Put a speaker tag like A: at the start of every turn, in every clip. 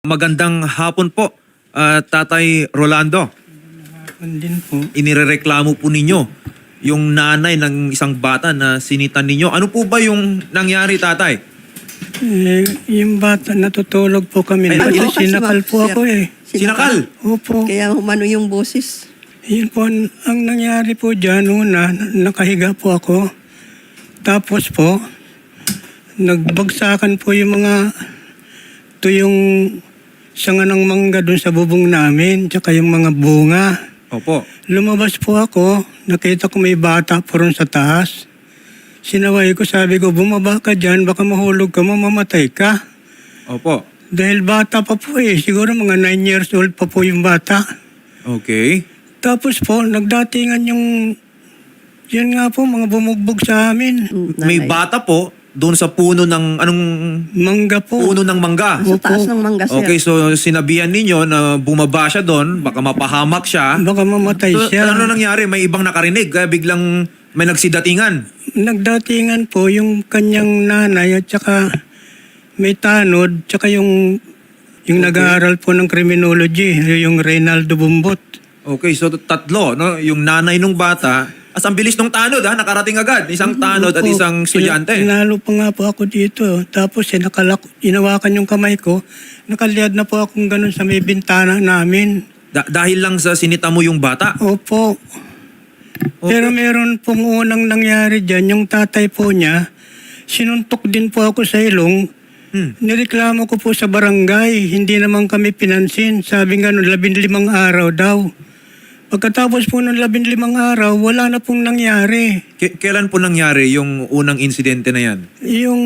A: Magandang hapon po, Tatay Rolando.
B: Din po.
A: Inirereklamo po ninyo yung nanay ng isang bata na sinitan ninyo. Ano po ba yung nangyari, Tatay?
B: Yung bata, natutulog po kami.
A: Ay,
B: Kasi
A: ano?
B: sinakal po ako eh.
A: Sinakal?
B: Opo.
C: Kaya umano yung boses.
B: Yun po, ang nangyari po dyan, una, nakahiga po ako. Tapos po, nagbagsakan po yung mga, ito yung sanga ng mangga dun sa bubong namin, tsaka yung mga bunga.
A: Opo.
B: Lumabas po ako, nakita ko may bata po ron sa taas. Sinaway ko, sabi ko, bumaba ka dyan, baka mahulog ka, mamamatay ka.
A: Opo.
B: Dahil bata pa po eh, siguro mga 9 years old pa po yung bata.
A: Okay.
B: Tapos po, nagdatingan yung, yun nga po, mga bumugbog sa amin.
A: May bata po doon sa puno ng, anong
B: Mangga po.
A: puno ng mangga?
C: Sa taas ng mangga, sir.
A: Okay, so sinabihan ninyo na bumaba siya doon, baka mapahamak siya.
B: Baka mamatay
A: So,
B: siya.
A: ano nangyari? May ibang nakarinig, kaya biglang may nagsidatingan.
B: Nagdatingan po yung kanyang nanay at saka may tanod, tsaka yung nag-aaral po ng criminology, yung Reynaldo Bumbot.
A: Okay, so tatlo, no? Yung nanay nung bata, as ang bilis nung tanod, ha? Nakarating agad. Isang tanod at
B: Opo,
A: isang estudyante.
B: Tinalo pa nga po ako dito. Tapos inawakan yung kamay ko. Nakaliyad na po akong ganun sa may bintana namin.
A: Dahil lang sa sinita mo yung bata.
B: Opo. Pero meron pong unang nangyari dyan. Yung tatay po niya, sinuntok din po ako sa ilong. Nireklamo ko po sa barangay. Hindi naman kami pinansin. Sabi nga nun, 15 araw daw. Pagkatapos po ng 15 araw, wala na pong nangyari.
A: Kailan po nangyari yung unang insidente na yan?
B: Yung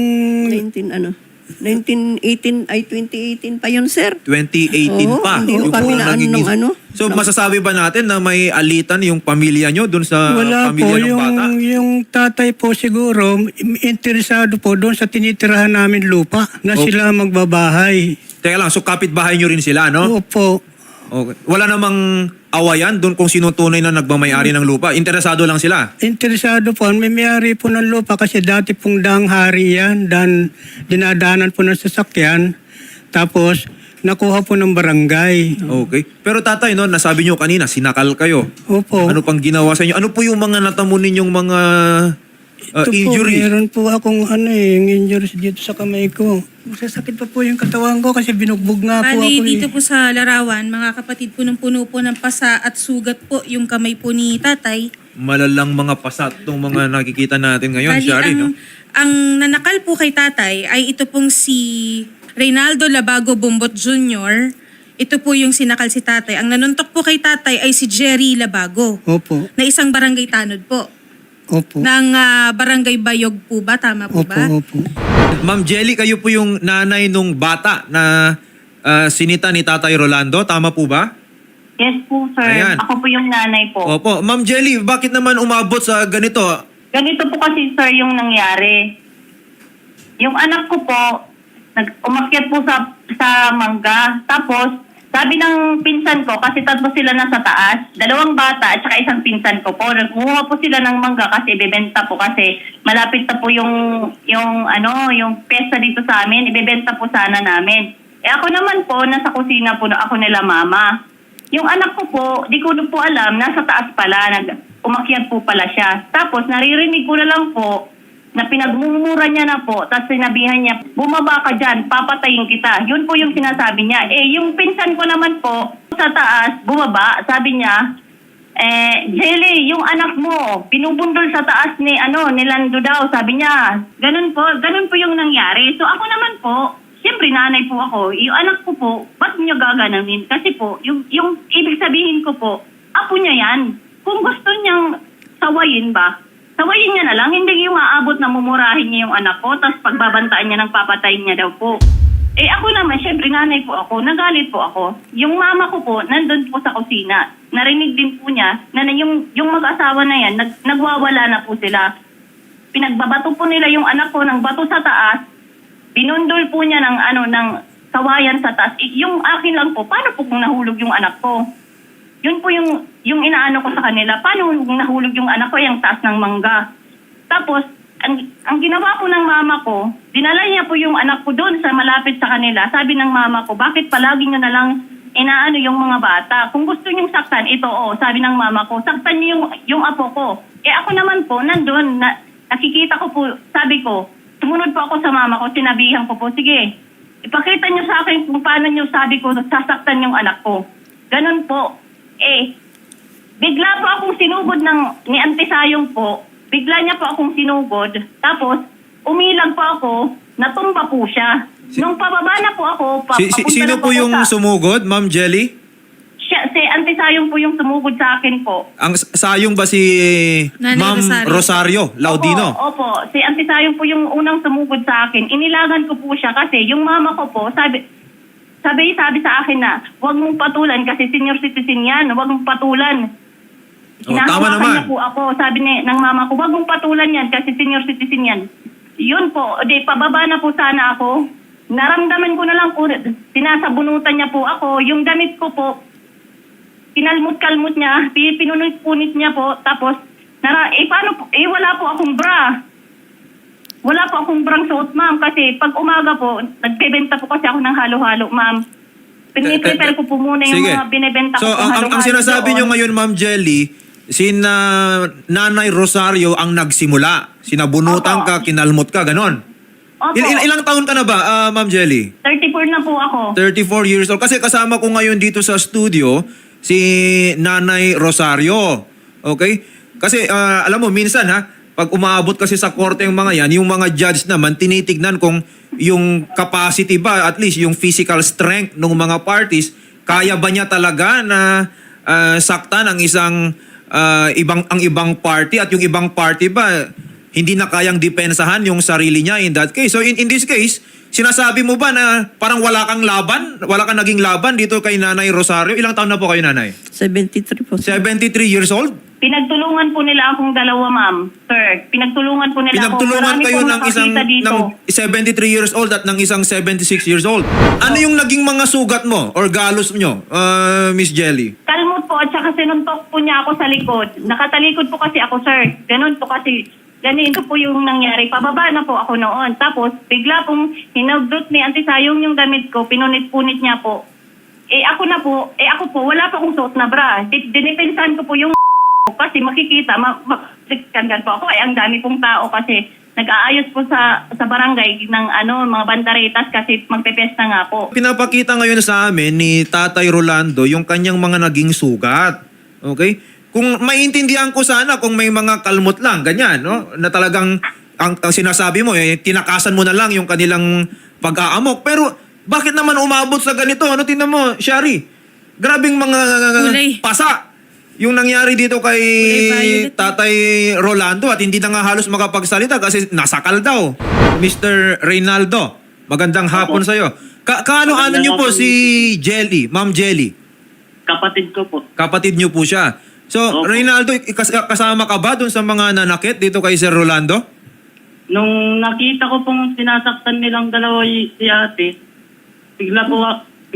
C: 1918, ay 2018 pa yun, sir.
A: 2018
C: Oo,
A: pa.
C: hindi
A: Yung
C: pa kami
A: unang
C: na
A: naging
C: ng ano.
A: So masasabi ba natin na may alitan yung pamilya nyo dun sa
B: wala po,
A: pamilya ng bata?
B: yung tatay po siguro, interesado po doon sa tinitirahan namin lupa na sila magbabahay.
A: Teka lang, so kapitbahay nyo rin sila, no?
B: Opo.
A: Okay. Wala namang awayan doon kung sino tunay na nagmamayari ng lupa. Interesado lang sila.
B: Interesado po. May mayari po ng lupa kasi dati pong daang hari yan. Dinadaanan po ng sasakyan. Tapos, nakuha po ng barangay.
A: Okay. Pero tatay, no, nasabi nyo kanina, sinakal kayo.
B: Opo.
A: Ano pang ginawa sa inyo? Ano po yung mga natamo ninyong mga
B: Ito
A: injury?
B: po, meron po akong yung injuries dito sa kamay ko. Masasakit pa po yung katawan ko kasi binugbog nga po
D: Bali,
B: ako
D: dito po sa larawan, mga kapatid, punong-puno po ng pasa at sugat po yung kamay po ni tatay.
A: Malalang mga pasat itong mga nakikita natin ngayon,
D: Bali,
A: Shari, no?
D: ang nanakal po kay tatay ay ito pong si Reynaldo Labago Bumbot Jr. Ito po yung sinakal si tatay. Ang nanuntok po kay tatay ay si Jerry Labago,
B: Opo.
D: na isang barangay tanod po.
B: Opo.
D: Ng barangay Bayog po ba? Tama po ba?
B: Opo.
A: Ma'am Jelly, kayo po yung nanay nung bata na sinita ni Tatay Rolando. Tama po ba?
E: Yes po, sir.
A: Ayan.
E: Ako po yung nanay po.
A: Opo. Ma'am Jelly, bakit naman umabot sa ganito?
E: Ganito po kasi, sir, yung nangyari. Yung anak ko po, umakyat po sa mangga. Tapos, sabi ng pinsan ko, kasi tatlo sila nasa taas, 2 bata at saka isang pinsan ko po. Nagkuha po sila ng mangga kasi ibebenta po kasi malapit na po yung pesta dito sa amin, ibebenta po sana namin. Ako naman po, nasa kusina po ako nila mama. Yung anak ko po, di ko po alam, nasa taas pala, umakyat po pala siya. Tapos naririnig ko na lang po, na pinagmumura niya na po, tapos sinabihan niya, bumaba ka dyan, papatayin kita. Yun po yung sinasabi niya. Yung pinsan ko naman po, sa taas, bumaba, sabi niya, Jelly, yung anak mo, pinubundol sa taas ni Lando daw, sabi niya. Ganun po yung nangyari. So ako naman po, siyempre nanay po ako, yung anak ko po, ba't niyo gaganunin? Kasi po, yung ibig sabihin ko po, apo niya yan. Kung gusto niyang sawayin ba, sawayin niya na lang, hindi yung aabot na mumurahin niya yung anak ko, tapos pagbabantaan niya ng papatayin niya daw po. Ako naman, syempre nanay po ako, nagalit po ako. Yung mama ko po, nandun po sa kusina. Narinig din po niya na yung mag-asawa na yan, nagwawala na po sila. Pinagbabato po nila yung anak ko ng bato sa taas, binundol po niya ng sawayan sa taas. Yung akin lang po, paano po kung nahulog yung anak ko? Yun po yung inaano ko sa kanila. Paano nahulog yung anak ko yung taas ng mangga? Tapos, ang ginawa po ng mama ko, dinala niya po yung anak ko doon sa malapit sa kanila. Sabi ng mama ko, bakit palagi nyo na lang inaano yung mga bata? Kung gusto nyong saktan, ito sabi ng mama ko, saktan niyo yung apo ko. Ako naman po, nandun, nakikita ko po, sabi ko, tumunod po ako sa mama ko, sinabihan ko po, sige, ipakita niyo sa akin kung paano niyo sabi ko, sasaktan yung anak ko. Ganun po. Bigla po akong sinugod ni Auntie Sayong po. Bigla niya po akong sinugod. Tapos, umilag po ako, natumba po siya. Nung pababa na po ako, papunta
A: Sino
E: na
A: po
E: ako
A: yung sumugod, Ma'am Jelly?
E: si Auntie Sayong po yung sumugod sa akin po.
A: Ang sayong ba si
D: Nanay
A: Ma'am Rosario Laudino?
E: Opo, si Auntie Sayong po yung unang sumugod sa akin. Inilagan ko po siya kasi yung mama ko po, sabi sa akin na, huwag mong patulan kasi senior citizen yan, huwag mong patulan.
A: Tama
E: Hinahawakan
A: naman.
E: niya po ako, sabi ng mama ko, huwag mong patulan yan kasi senior citizen yan. Yun po, pababa na po sana ako. Naramdaman ko na lang po, sinasabunutan niya po ako. Yung damit ko po, kinalmut-kalmut niya, pinunit-punit niya po. Tapos, paano po, wala po akong bra. Wala po akong brang suot, ma'am. Kasi pag umaga po, nagbebenta po kasi ako ng halo-halo, ma'am. Piniprepare ko po muna yung
A: Sige.
E: mga binibenta ko
A: So,
E: pong halo-halo
A: ang sinasabi
E: doon.
A: nyo ngayon, Ma'am Jelly, Nanay Rosario ang nagsimula. Sinabunutan
E: Opo.
A: ka, kinalmot ka, ganon.
E: Opo,
A: Ilang taon ka na ba, Ma'am Jelly?
E: 34 na po ako.
A: 34 years old. Kasi kasama ko ngayon dito sa studio si Nanay Rosario. Okay? Kasi alam mo, minsan pag umaabot kasi sa korte yung mga yan, yung mga judge naman, tinitignan kung yung capacity ba, at least yung physical strength ng mga parties, kaya ba niya talaga na saktan ang ibang party at yung ibang party ba hindi na kayang depensahan yung sarili niya in that case. So in this case, sinasabi mo ba na parang wala kang laban? Wala kang naging laban dito kay Nanay Rosario? Ilang taon na po kayo, Nanay?
C: 73 po.
A: 73 years old?
E: Pinagtulungan po nila akong dalawa, ma'am. Sir, pinagtulungan po nila
A: Pinagtulungan
E: ako. Marami
A: kayo
E: pong
A: ng isang
E: nakakita dito.
A: ng 73 years old at ng isang 76 years old. Ano yung naging mga sugat mo or galos nyo, Miss Jelly?
E: Kalmot po at saka sinuntok po niya ako sa likod. Nakatalikod po kasi ako, sir. Ganun po kasi. Ganito po yung nangyari. Pababa na po ako noon. Tapos, bigla pong hinagdot ni Auntie Sayong yung damit ko. Pinunit-punit niya po. Ako po, wala pa akong suot na bra. Dinipensahan ko po yung kasi makikita, makikita po ako. Ang dami pong tao kasi nag-aayos po sa barangay ng mga bandaretas kasi magpepesta nga po.
A: Pinapakita ngayon sa amin ni Tatay Rolando yung kanyang mga naging sugat. Okay? Kung maintindihan ko sana kung may mga kalmot lang, ganyan, no? Na talagang ang sinasabi mo, tinakasan mo na lang yung kanilang pag-aamok. Pero bakit naman umabot sa ganito? Ano tingnan mo, Shari? Grabing mga
D: Kulay.
A: pasa yung nangyari dito kay
D: Kulay violet.
A: Tatay Rolando at hindi na nga halos makapagsalita kasi nasakal daw. Mr. Reynaldo, magandang hapon sa'yo. Kaano-ano niyo po si Jelly, Ma'am Jelly?
F: Kapatid ko po.
A: Kapatid niyo po siya. So,
F: Opo.
A: Reynaldo, kasama ka ba dun sa mga nanakit dito kay Sir Rolando?
F: Nung nakita ko pong sinasaktan nilang dalawa si ate, bigla po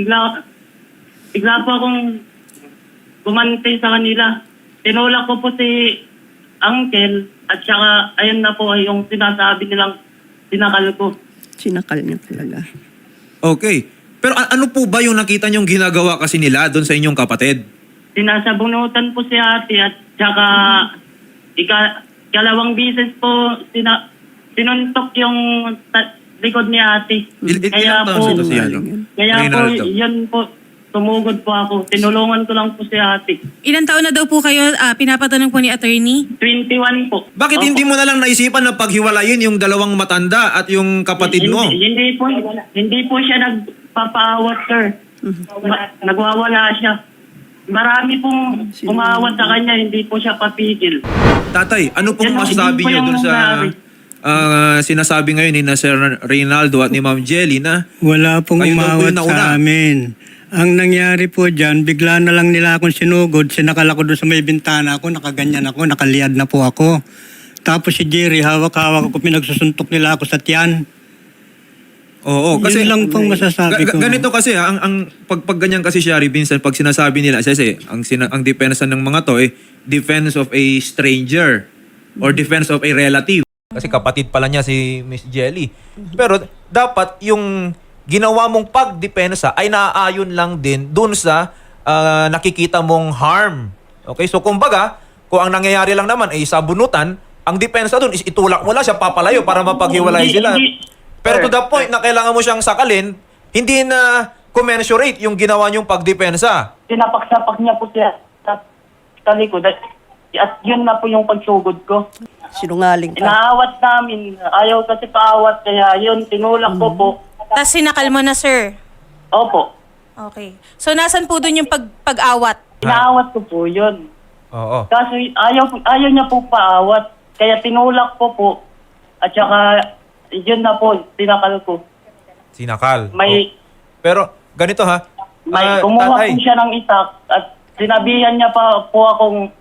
F: akong gumante sa kanila. Tinulak ko po si Uncle at saka ayun na po yung sinasabi nilang sinakal ko.
C: Sinakal niya talaga.
A: Okay. Pero ano po ba yung nakita niyong ginagawa kasi nila doon sa inyong kapatid?
F: Sinasabunutan po si ate at saka ikalawang bisis po sinuntok yung likod ni ate.
A: Ilang taon si Reynaldo?
F: Yan po, tumugod po ako. Tinulungan ko lang po si ate.
D: Ilan taon na daw po kayo, pinapatanong po ni attorney?
F: 21 po.
A: Bakit hindi mo na lang naisipan na paghiwalayin yung dalawang matanda at yung kapatid mo?
F: Hindi po siya nagpapaawat, sir. Nagwawala siya. Marami pong umawat sa kanya, hindi po siya papigil.
A: Tatay, ano pong
F: Yan,
A: masasabi
F: hindi po
A: niyo
F: yung
A: doon sa
F: nangyari.
A: sinasabi ngayon ni na Sir Reynaldo at ni Ma'am Jelly na
B: Wala pong
A: Kayo daw po
B: umawat
A: yung nauna.
B: sa amin. Ang nangyari po dyan, bigla na lang nila akong sinugod, sinakal ako doon sa may bintana ako, nakaganyan ako, nakaliad na po ako. Tapos si Jerry, hawak-hawak ako, pinagsusuntok nila ako sa tiyan.
A: Oo, kasi
B: Yun lang pong masasabi ko.
A: ganito kasi ang pag ganyan kasi Shari Vincent, pag sinasabi nila kasi ang depensa ng mga to defense of a stranger or defense of a relative. Kasi kapatid pala niya si Miss Jelly. Pero dapat yung ginawa mong pagdepensa ay naaayon lang din dun sa nakikita mong harm. Okay? So kumbaga, kung ang nangyayari lang naman ay sabunutan, ang depensa dun is itulak mo lang siya papalayo para mapaghiwalay sila. Pero to the point na kailangan mo siyang sakalin, hindi na commensurate yung ginawa niyong pagdepensa.
F: Sinapak-sapak niya po siya sa likod. At yun na po yung pagsugod ko.
C: Sinungaling ka.
F: Inaawat namin. Ayaw kasi paawat. Kaya yun, tinulak ko po.
D: Tapos sinakal mo na, sir.
F: Opo.
D: Okay. So, nasan po dun yung pag-awat?
F: Inaawat ko po yun.
A: Oo.
F: Kaso ayaw niya po paawat. Kaya tinulak ko po. At saka, yun na po, tinakal ko.
A: Sinakal.
F: May,
A: Pero ganito ha.
F: kumuha
A: tatay,
F: po siya ng itak at sinabihan niya pa po akong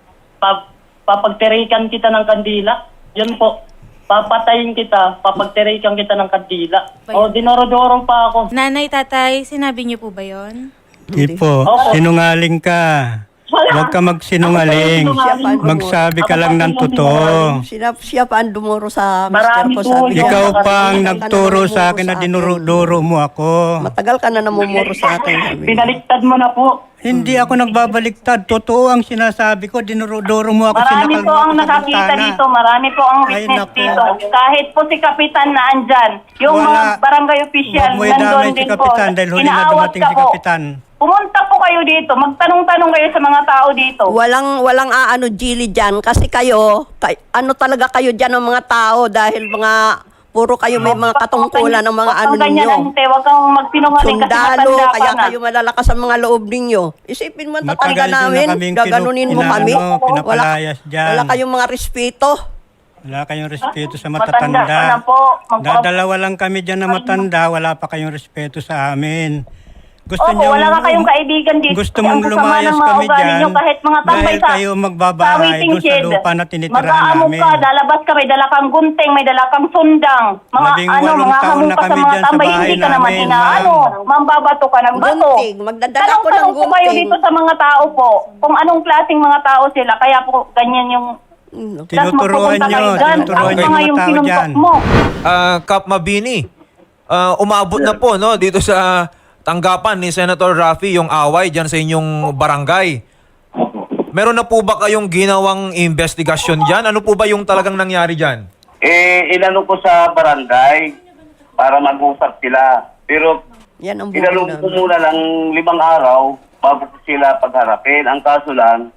F: papagterikan kita ng kandila. Yun po, papatayin kita, papagterikan kita ng kandila. O, dinorodoro pa ako.
D: Nanay, tatay, sinabi niyo po ba yon?
B: Di po,
F: Opo.
B: sinungaling ka. Huwag ka magsinungaling. Magsabi ka lang ng totoo.
C: Siya pa ang dumuro sa
F: Marami
C: mister ko.
F: po
C: Sabi
F: yun.
C: niya,
B: Ikaw pa ang
C: "Matagal ka na
B: nagturo
C: namumuro
B: sa akin na
C: akin."
B: dinuro mo ako.
C: Matagal ka na namumuro sa akin. Sabi niya.
F: Binaliktad mo na po.
B: Hindi ako nagbabaliktad. Totoo ang sinasabi ko. Dinuro mo ako.
E: Marami
B: Sinakal
E: po
B: mo ako
E: ang
B: sa
E: nakakita
B: bintana.
E: dito, marami po ang
B: Ay,
E: witness
B: naku.
E: dito. Kahit po si Kapitan na andyan, yung
B: Wala.
E: mga barangay official,
B: Huwag mo
E: nandun
B: idamay si
E: din po.
B: Kapitan dahil huli na
E: Inaawat
B: dumating
E: ka
B: si
E: po.
B: Kapitan.
E: Pumunta po kayo dito, magtanong-tanong kayo sa mga tao dito.
C: Walang aano Gili dyan kasi kayo, ano talaga kayo dyan ng mga tao dahil mga puro kayo may mga katungkulan ng mga ano
E: ganyan,
C: ninyo.
E: ante, wag kang magsinungaling kasi
C: Sundalo,
E: matanda
C: kaya
E: ka na.
C: kayo malalakas ang mga loob ninyo. Isipin mo,
B: Matagal
C: tatangga
B: din na
C: namin,
B: kaming
C: gaganunin mo
B: pina-
C: kami.
B: ano, pinapalayas dyan.
C: Wala kayong mga respeto.
B: Wala kayong respeto sa
E: Matanda ka na
B: matatanda.
E: po.
B: Dadalawa lang kami dyan na matanda. Wala pa kayong respeto sa amin. Gusto
E: Opo,
B: niyo,
E: wala ka kayong kaibigan dito.
B: Gusto
E: Kasi
B: mong
E: ang sasama
B: lumayas
E: ng mga
B: kami
E: ugali
B: dyan
E: nyo, kahit mga tambay
B: dahil kayo magbabahay
E: waiting
B: doon sa
E: shed.
B: lupa na tinitirahan
E: Mag-aamok
B: namin.
E: ka, lalabas ka, may dala kang gunting, may dala kang sundang. Mga
B: 18
E: mga
B: taon
E: hamon
B: na
E: pa sa
B: kami
E: mga
B: dyan sa
E: tambay,
B: bahay
E: hindi ka naman
B: namin,
E: inaano. Mambabato ka ng bato.
C: Gunting, magdadala ko ng
E: Tanong-tanong po kayo
C: gunting.
E: dito sa mga tao po, kung anong klaseng mga tao sila, kaya po ganyan yung...
B: Tinuturuan nyo, tinuturuan nyo
E: Ang mga
B: yung
E: yung
B: tao
E: sinuntok
B: dyan.
E: mo.
A: Kap Mabini, umabot na po no dito sa tanggapan ni Senator Raffy yung away dyan sa inyong barangay. Meron na po ba kayong ginawang investigasyon dyan? Ano po ba yung talagang nangyari dyan?
G: Inano ko sa barangay para mag-usap sila. Pero
C: Yan ang
G: inalong ko
C: namin.
G: muna ng 5 araw bago ko sila pagharapin. Ang kaso lang,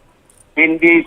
G: hindi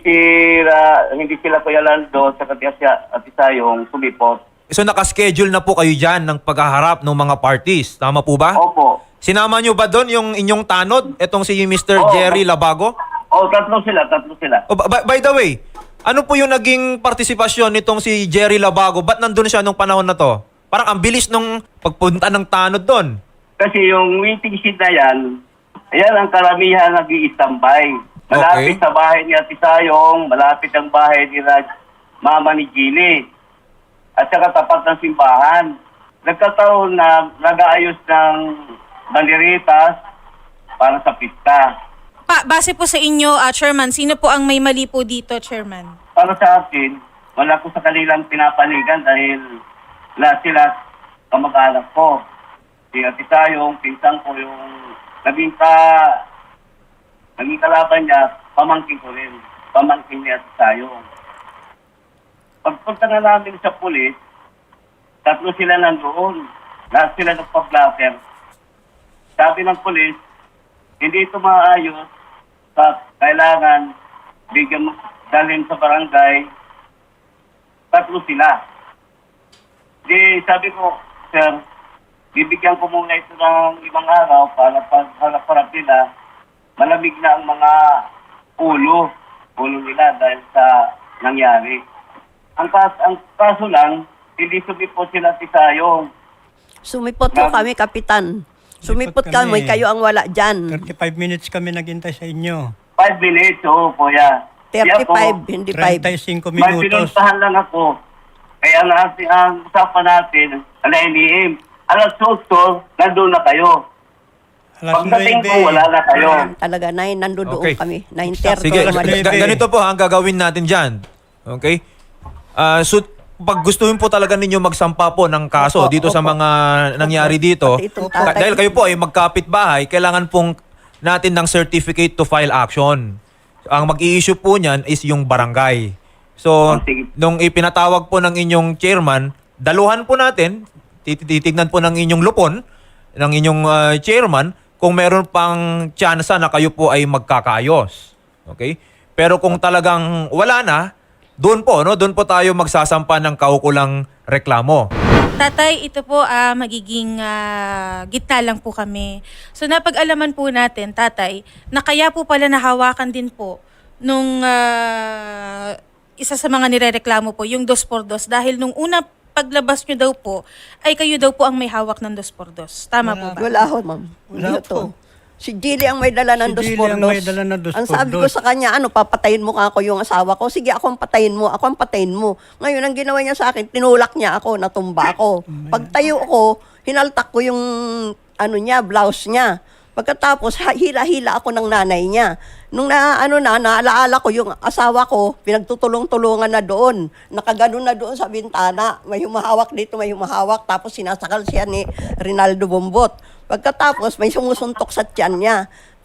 G: sila Kuya Lando sa Katisayong sumipot.
A: So nakaschedule na po kayo dyan ng paghaharap ng mga parties. Tama po ba?
G: Opo.
A: Sinama nyo ba doon yung inyong tanod? Itong si Mr.
G: Oo.
A: Jerry Labago?
G: Tatlo sila.
A: Oh, by the way, ano po yung naging partisipasyon nitong si Jerry Labago? Ba't nandun siya nung panahon na to? Parang ang bilis nung pagpunta ng tanod doon.
G: Kasi yung waiting shed na yan ang karamihan nag-i-standby. Malapit
A: Okay.
G: sa bahay ni Ate Sayong, malapit ang bahay ni Mama ni Gili. At saka tapat ng simbahan. Nagkataon na nag-aayos ng banderitas para sa pista.
D: Base po sa inyo, Chairman, sino po ang may mali po dito, Chairman?
G: Para sa akin, wala ko sa kanilang pinapanigan dahil lahat sila kamag-anak ko. Si Ate Sayong, pinsan ko yung naging kalaban niya, pamangkin ko rin. Pamangkin ni Ate Sayong. Pagpunta na namin sa pulis, tatlo sila nandoon. Lahat sila nagpa-blatter. Sabi ng pulis, hindi ito maayos. Kailangan bigyan mo dalhin sa barangay. Tatlo sila. Di sabi ko, sir, bibigyan ko muna ito ng 5 araw para pagharap nila. Malamig na ang mga ulo nila dahil sa nangyari. Ang kaso lang, hindi sumipot sila Tisayong.
C: Sumipot po kami, Kapitan. Sumipot kami, kayo ang wala dyan.
B: 35 minutes kami naghintay sa inyo.
G: 5 minutes, oo, kuya.
C: 35, hindi 5.
B: 35
G: May
B: minutos.
G: pinuntahan lang ako. Kaya ang usapan natin, LNEM, alas 8, nandun na kayo.
B: Alas
G: Pagdating ko,
B: 9.
G: wala na kayo.
C: Talaga, nandoon
A: Okay.
C: kami. 9:30.
A: Sige,
B: Alas 9.
A: ganito po ang gagawin natin dyan. Okay? pag gustuhin po talaga ninyo magsampa po ng kaso
C: Opo,
A: dito sa
C: opo.
A: mga nangyari dito,
C: Pati itong tatay.
A: dahil kayo po ay magkapit-bahay, kailangan pong natin ng certificate to file action. Ang mag-i-issue po niyan is yung barangay. So,
G: sige.
A: nung ipinatawag po ng inyong chairman, daluhan po natin, titignan po ng inyong lupon, ng inyong chairman, kung meron pang tsansa na kayo po ay magkakaayos. Okay? Pero kung talagang wala na, doon po tayo magsasampa ng kaukulang reklamo.
D: Tatay, ito po magiging gitna lang po kami. So napag-alaman po natin, tatay, na kaya po pala nahawakan din po nung isa sa mga nirereklamo po, yung 2x2, dahil nung una paglabas nyo daw po, ay kayo daw po ang may hawak ng 2x2. Tama po ba?
C: Wala ho, ma'am.
B: Wala
C: Hindi
B: po.
C: to. Si Jilly ang may dala ng
B: Si Jilly ang may dala ng 2x2.
C: Ang sabi ko sa kanya, papatayin mo ka ako yung asawa ko. Sige, ako ang patayin mo. Ako ang patayin mo. Ngayon, ang ginawa niya sa akin, tinulak niya ako, natumba ako. Pagtayo ko, hinaltak ko yung blouse niya. Pagkatapos, hila-hila ako ng nanay niya. Nung naalaala ko yung asawa ko, pinagtutulong-tulungan na doon. Nakaganon na doon sa bintana. May humahawak dito, may humahawak. Tapos sinasakal siya ni Rinaldo Bombot. Pagkatapos, may sumusuntok sa tiyan niya.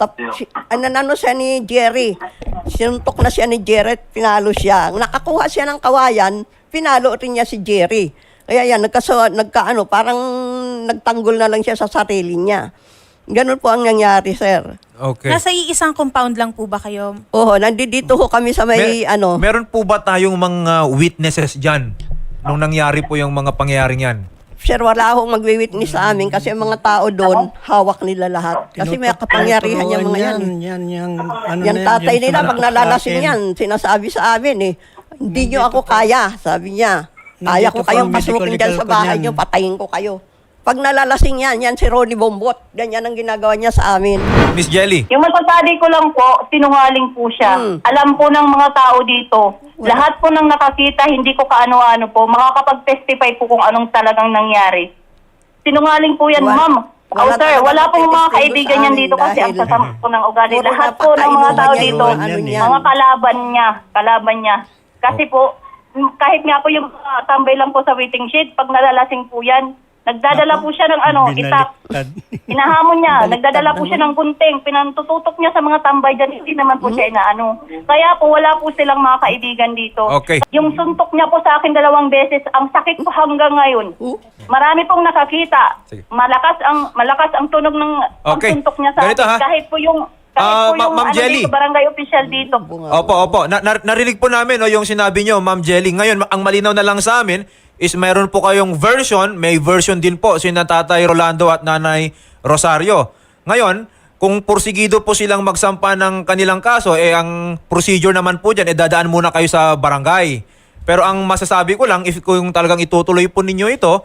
C: Ananano siya ni Jerry. Sinuntok na siya ni Jerry at pinalo siya. Nakakuha siya ng kawayan, pinalo rin niya si Jerry. Kaya yan, parang nagtanggol na lang siya sa sarili niya. Ganun po ang nangyari, sir.
A: Okay.
D: Nasa iisang compound lang po ba kayo?
C: Oo, nandito ho kami sa may
A: Meron po ba tayong mga witnesses dyan nung nangyari po yung mga pangyayaring yan?
C: Sir, wala akong magwi-witness sa amin kasi ang mga tao doon, hawak nila lahat. Kasi may kapangyarihan yung mga yan. Yan tatay nila, pag nalalasing yan, sinasabi sa amin hindi nyo ako kaya, sabi niya. Kaya ko
B: Nandito po
C: kayong
B: ang medical
C: pasukin dyan sa
B: record
C: bahay
B: niyan.
C: nyo, patayin ko kayo. Pag nalalasing yan si Ronnie Bombot. Ganyan ang ginagawa niya sa amin.
A: Miss Jelly?
E: Yung masasabi ko lang po, sinungaling po siya. Alam po ng mga tao dito, lahat po ng nakakita, hindi ko kaano-ano po, makakapag-testify po kung anong talagang nangyari. Sinungaling po yan, ma'am.
C: Wala
E: Sir,
C: talaga
E: wala pong mga
C: magtitestigo
E: kaibigan
C: sa
E: yan
C: amin
E: dito kasi ang
C: dahil
E: sasama po ng ugali.
C: puro
E: Lahat po ng mga
C: napakainuman
E: tao
C: niya
E: dito,
C: yung niyan.
E: mga kalaban niya. Kasi po, kahit nga po yung tambay lang po sa waiting shed, pag nalalasing po yan, nagdadala po siya ng itak. Hinahamon niya, nagdadala po siya ng gunting, pinantututok niya sa mga tambay dyan, hindi naman po siya inaano. Kaya po wala po silang mga kaibigan dito.
A: Okay.
E: Yung suntok niya po sa akin 2 beses, ang sakit po hanggang ngayon. Marami pong nakakita.
A: Sige.
E: Malakas ang tunog ng ang
A: Okay.
E: suntok niya sa
A: Ganito,
E: akin.
A: ha?
E: Kahit po yung
A: Ma'am Jelly.
E: dito, barangay official dito.
A: Opo. Narinig po namin yung sinabi nyo, Ma'am Jelly. Ngayon, ang malinaw na lang sa amin is mayroon po kayong version, may version din po si Tatay Rolando at Nanay Rosario. Ngayon, kung porsigido po silang magsampa ng kanilang kaso, ang procedure naman po dyan, dadaan muna kayo sa barangay. Pero ang masasabi ko lang, kung talagang itutuloy po ninyo ito,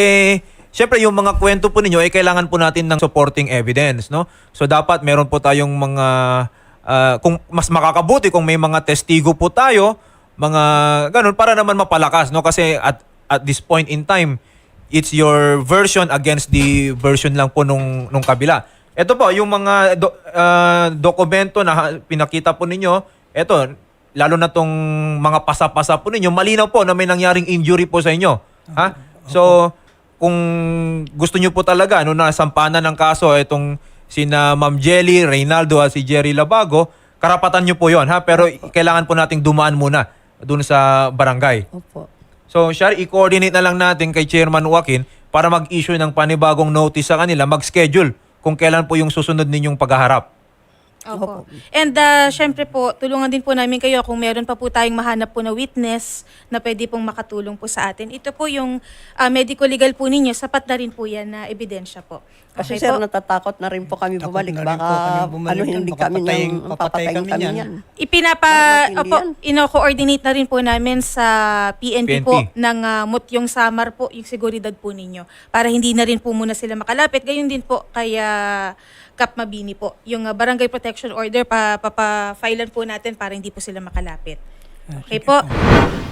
A: syempre yung mga kwento po ninyo, kailangan po natin ng supporting evidence, no? So dapat meron po tayong mga, kung mas makakabuti kung may mga testigo po tayo, mga ganun, para naman mapalakas, no? Kasi at this point in time, it's your version against the version lang po nung kabila. Ito po, yung mga dokumento na pinakita po ninyo, ito, lalo na tong mga pasa-pasa po ninyo, malinaw po na may nangyaring injury po sa inyo. Ha? So, kung gusto nyo po talaga, nasampanan ng kaso, itong sina Ma'am Jelly, Reynaldo at si Jerry Labago, karapatan nyo po yon, ha? Pero kailangan po nating dumaan muna doon sa barangay.
C: Opo.
A: So, Shari, i-coordinate na lang natin kay Chairman Joaquin para mag-issue ng panibagong notice sa kanila, mag-schedule kung kailan po yung susunod ninyong paghaharap.
D: Opo. And syempre po, tulungan din po namin kayo kung meron pa po tayong mahanap po na witness na pwede pong makatulong po sa atin. Ito po yung medical legal po ninyo, sapat na rin po yan na ebidensya po.
C: Kasi
D: Okay
C: sir,
D: po?
C: natatakot na rin po kami
B: Takot
C: bumalik.
B: na rin po
C: Baka
B: kami bumalik yan.
C: hindi
B: Baka
C: kami
B: papatayin kami niyan.
C: niyan.
D: Ino-coordinate na rin po namin sa PNP,
A: PNP.
D: po ng Mutyong Samar po, yung seguridad po ninyo. Para hindi na rin po muna sila makalapit. Gayon din po kay Kap Mabini po. Yung Barangay Protection Order, papafailan po natin para hindi po sila makalapit. Okay po?